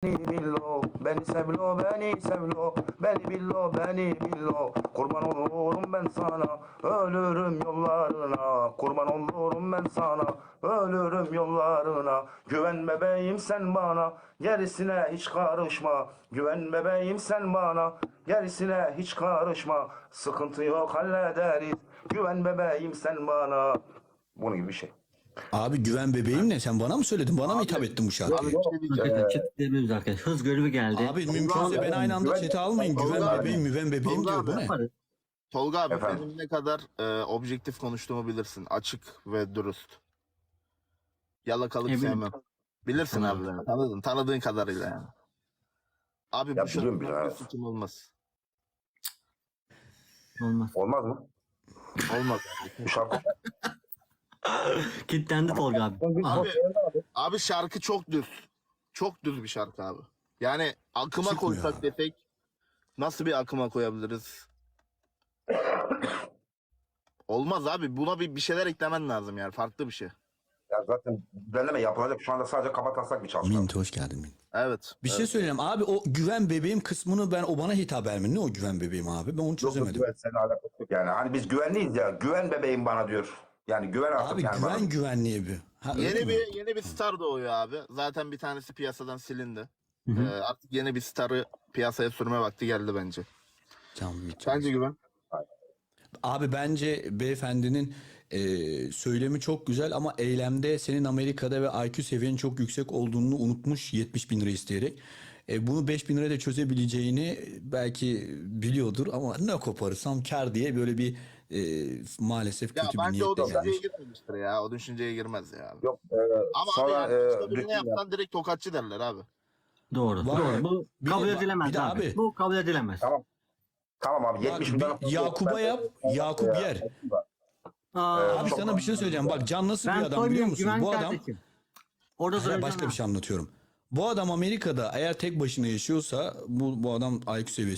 billo, beni sevlo, beni sevlo, beni billo, beni billo. Kurban olurum ben sana, ölürüm yollarına. Kurban olurum ben sana, ölürüm yollarına. Güven bebeğim sen bana, gerisine hiç karışma. Güven bebeğim sen bana, gerisine hiç karışma. Sıkıntı yok hallederiz, güven bebeğim sen bana. Bunun gibi bir şey. Abi güven bebeğim ne? Sen bana mı söyledin? Bana mı Abi, hitap ettin bu şarkıyı? Abi bir şey diyeceğim. Arkadaşlar chat diyebiliriz arkadaşlar. Hız görevi geldi. Abi mümkünse beni aynı anda Güven- chat'e almayın. Güven Tolga abi. bebeğim, müven bebeğim Tolga diyor. Bu abi. ne? Yaparız. Tolga abi Efendim? benim ne kadar objektif konuştuğumu bilirsin. Açık ve dürüst. Yalakalık Eminim. sevmem. Bilirsin abi beni. Tanıdığın kadarıyla yani. Abi Ya bu biliyorum şarkıda biraz. bir suçum olmaz. Olmaz. Olmaz mı? Olmaz. Bu şarkı. Kitlendi Tolga abi. Abi, abi şarkı çok düz. Çok düz bir şarkı abi. Yani akıma Çıkmıyor koysak abi. desek nasıl bir akıma koyabiliriz? Olmaz abi. Buna bir şeyler eklemen lazım yani. Farklı bir şey. Ya zaten düzenleme yapılacak. Şu anda sadece kabataslak bir çalışma. Mint hoş geldin Mint. Evet. Bir şey söyleyeyim abi, o güven bebeğim kısmını o bana hitap mi? Ne o güven bebeğim abi? Ben onu Yok, çözemedim. güven seninle alakası yok yani. Hani biz güvenliyiz ya. Güven bebeğim bana diyor. Yani güven artık Abi yani bana. güven güvenliği bir. Ha, öyle mi? Yeni bir star doğuyor abi. Zaten bir tanesi piyasadan silindi. Hı hı. Artık yeni bir starı piyasaya sürme vakti geldi bence. Can Mint. Sence güven? Abi bence beyefendinin söylemi çok güzel ama eylemde senin Amerika'da ve IQ seviyenin çok yüksek olduğunu unutmuş 70 bin lira isteyerek. Bunu 5 bin liraya çözebileceğini belki biliyordur ama ne koparırsam kar diye böyle bir maalesef Ya kötü bir bence o niyetle düşünceye gelmiş. girmemiştir ya. O düşünceye girmez ya. Yok. Ama Sonra abi yani başka birine ritim yap. yapsan direkt tokatçı derler abi. Doğru. Var. Doğru. Bu Bir kabul de- edilemez bir de abi. abi- Bu kabul edilemez. Tamam. Tamam abi. Bak, 70 bin lira. bir Yakup'a yap, Yakup yer. Aa, Abi çok sana bir şey söyleyeceğim. Bak Can nasıl bir ben adam biliyor soymayayım musun? güven Bu adam kardeşim. Orada Hayır, duracaksın başka ha. bir şey anlatıyorum. Bu adam Amerika'da eğer tek başına yaşıyorsa bu adam IQ seviyesi